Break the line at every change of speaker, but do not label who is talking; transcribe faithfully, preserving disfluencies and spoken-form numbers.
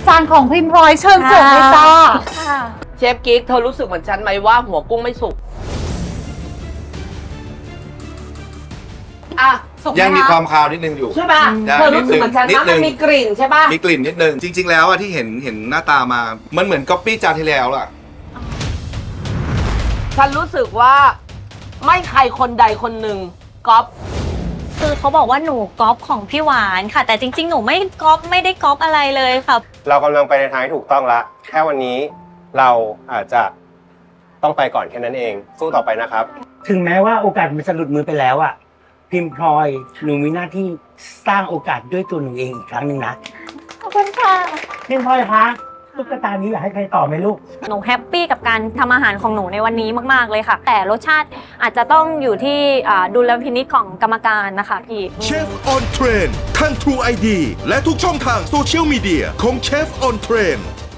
จารย์ของพิมพ์พลอยเชิญเสิร์ฟเลยจ้า
เชฟกิ๊กเธอรู้สึกเหมือนฉันไหมว่าหัวกุ้งไม่สุกอ่ะ
ยังมีความคาวนิดนึงอยู่
ใช่ป่ะเธอรู้สึกเหมือนฉันนะมันมีกลิ่นใช่ป่ะ
มีกลิ่นนิดนึงจริงๆแล้วอะที่เห็นเห็นหน้าตามามันเหมือนก๊อปปี้จานที่แล้วล่ะ
ฉันรู้สึกว่าไม่ใครคนใดคนหนึ่งก๊อป
คือเขาบอกว่าหนูก๊อปของพี่หวานค่ะแต่จริงๆหนูไม่ก๊อปไม่ได้ก๊อปอะไรเลยค่ะ
เรากำลังไปในทางที่ถูกต้องละแค่วันนี้เราอาจจะต้องไปก่อนแค่นั้นเองสู้ต่อไปนะครับ
ถึงแม้ว่าโอกาสมันจะหลุดมือไปแล้วอะพิมพ์พลอยหนูมีหน้าที่สร้างโอกาสด้วยตัวหนูเองอีกครั้งหนึ่งนะ
ขอบคุณค่ะ
พิมพ์พลอยคะตุ๊กตานี้อยากให้ใครต่อไหมลูก
หนูแฮปปี้กับการทำอาหารของหนูในวันนี้มากๆเลยค่ะแต่รสชาติอาจจะต้องอยู่ที่ดุลพินิจของกรรมการนะคะพี่
เชฟออนเทรนทาง True ไอ ดี และทุกช่องทางโซเชียลมีเดียของเชฟออนเทรน